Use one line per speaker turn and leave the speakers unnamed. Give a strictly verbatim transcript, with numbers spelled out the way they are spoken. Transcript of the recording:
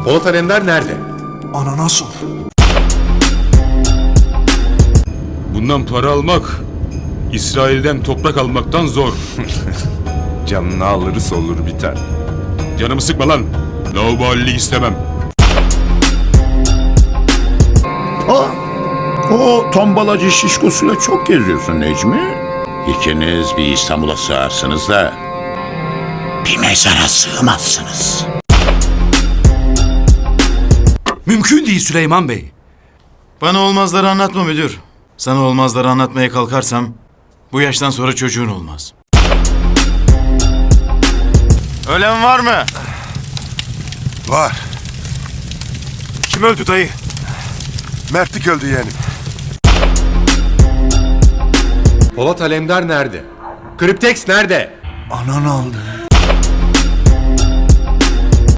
Polat Alemdar nerede?
Ana nasıl?
Bundan para almak, İsrail'den toprak almaktan zor.
Canını alırız olur biter.
Canımı sıkma lan. Laubalilik istemem.
O, o tombalacı şişkosuyla çok geziyorsun Necmi. İkiniz bir İstanbul'a sığarsınız da bir mezara sığmazsınız.
Mümkün değil Süleyman Bey.
Bana olmazları anlatma müdür. Sana olmazları anlatmaya kalkarsam bu yaştan sonra çocuğun olmaz. Ölen var mı?
Var.
Kim öldü dayı?
Mertlik öldü yeğenim.
Polat Alemdar nerede? Kriptex nerede?
Anan aldı.